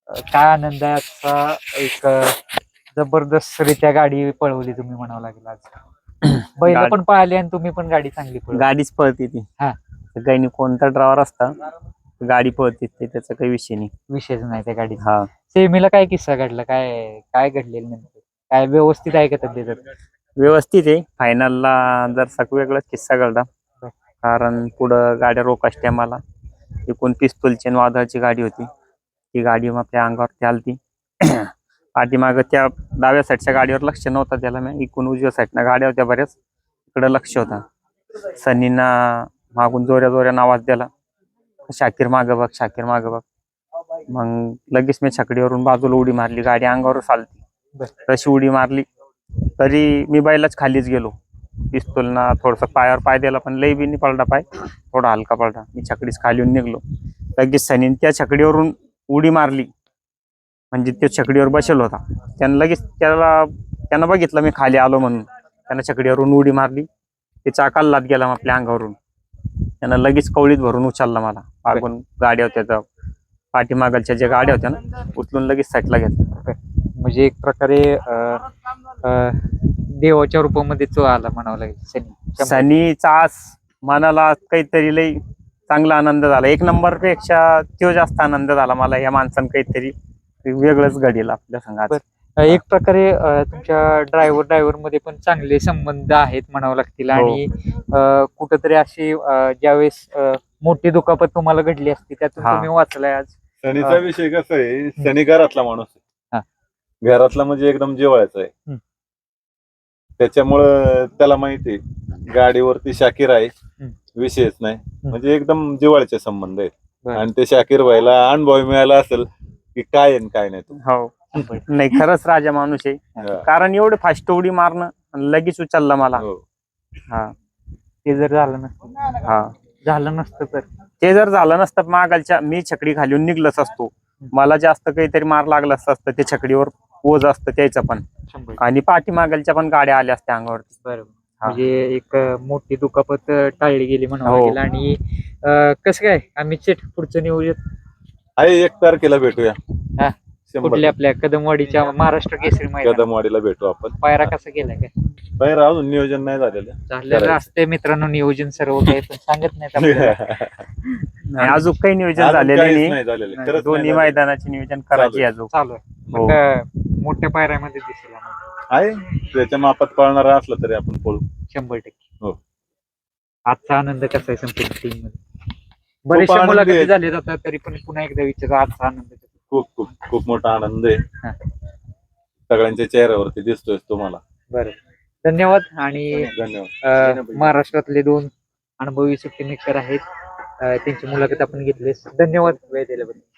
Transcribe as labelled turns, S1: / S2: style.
S1: काय आनंद आहे आजचा एक जबरदस्तरित्या गाडी पळवली तुम्ही म्हणावं लागेल आज. बैल
S2: गाडी-
S1: पण पळाली आणि तुम्ही पण गाडी चांगली पळवली.
S2: गाडीच पळते ती.
S1: हा.
S2: काही कोणता ड्रायव्हर असता गाडी पळते ते त्याचा काही विषय नाही.
S1: विषयच नाही त्या गाडीचा.
S2: हा
S1: सेमीला काय किस्सा घडला, काय काय घडलेलं नेमकं, काय व्यवस्थित आहे का तब्येत?
S2: व्यवस्थित आहे. फायनलला जर वेगळाच किस्सा घडला, कारण पुढं गाड्या रोकाच टायमाला एकूण पिस्तूलची आणि वादळाची गाडी होती. ती गाडी मग त्या अंगावरती आलती. पाठीमागं त्या डाव्या साईडच्या गाडीवर लक्ष नव्हतं त्याला, मी एकूण उजव्या साईडनं गाड्या होत्या बऱ्याच, इकडं लक्ष होता. सनीना मागून जोऱ्या जोऱ्यानं आवाज दिला, शाकीर मागं बघ, शाकीर मागं बघ. मग लगेच मी छकडीवरून बाजूला उडी मारली, गाडी अंगावरच आलती. तशी उडी मारली तरी मी बैलाच खालीच गेलो. पिस्तूलना थोडस पायावर पाय दिला, पण लई बी नाही पडला पाय, थोडा हलका पडला. मी छकडीच खाली येऊन निघलो. लगेच सनीन त्या छकडीवरून उडी मारली, म्हणजे तो छकडीवर बसेल होता. त्यानं लगेच त्यानं बघितलं मी खाली आलो म्हणून, त्यानं छकडीवरून उडी मारली. ते चाकाला लात गेला आपल्या अंगावरून. त्यानं लगेच कवळीत भरून उचलला मला. मागून गाड्या होत्या, पाठीमागच्या ज्या गाड्या होत्या ना, उचलून लगेच साईडला घेतला.
S1: म्हणजे एक प्रकारे देवाच्या रूपामध्ये तो आला म्हणावं लागेल.
S2: सनीचा आज मनाला काहीतरी लई चांगला आनंद झाला. एक नंबर पेक्षा तो जास्त आनंद झाला मला. या माणसानं काहीतरी वेगळंच घडेल आपल्या संघात.
S1: एक प्रकारे तुमच्या ड्रायव्हर मध्ये पण चांगले संबंध आहेत म्हणावं लागतील. आणि कुठंतरी अशी ज्यावेळेस मोठी दुखापत तुम्हाला घडली असती त्यातून तुम्ही वाचलाय आज.
S3: सनीचा विषय कसा आहे, सनी घरातला माणूस आहे. घरातला म्हणजे एकदम जिव्हाळ्याचा आहे. त्याच्यामुळं त्याला माहिती आहे गाडीवरती शाकीर आहे, विषयच नाही. म्हणजे एकदम जिव्हाळ्याचे संबंध आहेत. आणि ते शाकीर व्हायला अनुभव मिळाला असेल की काय आहे काय नाही.
S2: हो नाही, खरंच राजा माणूस आहे. कारण एवढे फास्ट उडी मारणं लगेच उचलला मला. हा,
S1: ते जर झालं नसतं तर
S2: ते जर झालं नसतं, मागालच्या मी छकडी खाली निघलच असतो. मला जास्त काहीतरी मार लागला असतं. ते छकडीवर ओझ असतं त्याचं पण, आणि पाठीमागलच्या पण गाड्या आल्या असत्या अंगावरती.
S1: बरोबर. म्हणजे एक मोठी दुखापत टाळली गेली म्हणावं लागेल. आणि कसं काय आम्ही पुढचं नियोजन
S3: आहे 1 तारखेला भेटूया.
S1: कुठल्या आपल्या कदमवाडीच्या महाराष्ट्र केसरी मैदान
S3: कदमवाडीला भेटू आपण.
S1: पायरा कसा केलाय काय?
S3: पायरा अजून नियोजन नाही
S1: झालेलं असते मित्रांनो, नियोजन सर्व काही पण सांगत नाहीत आपल्याला.
S2: अजून काही नियोजन झालेलं
S3: नाही.
S2: दोन्ही मैदानाचे नियोजन करायचे अजून
S1: चालू आहे. मोठ्या पायऱ्यामध्ये दिसेल
S3: आहे. त्याच्या मापात पळणारा असला तरी आपण पळू
S1: 100%.
S3: हो.
S1: आजचा आनंद कसा आहे संपूर्ण टीम मध्ये? बरेचशा मुलाखती झाले जातात तरी पण पुन्हा एकदा विचार, आजचा आनंद
S3: खूप खूप खूप मोठा आनंद आहे. सगळ्यांच्या चेहऱ्यावरती दिसतोय तुम्हाला.
S1: बरं, धन्यवाद. आणि
S3: धन्यवाद.
S1: महाराष्ट्रातले 2 अनुभवी सुट्टी मेकर आहेत, त्यांची मुलाखत आपण घेतलीस. धन्यवाद वेळ दिल्याबद्दल.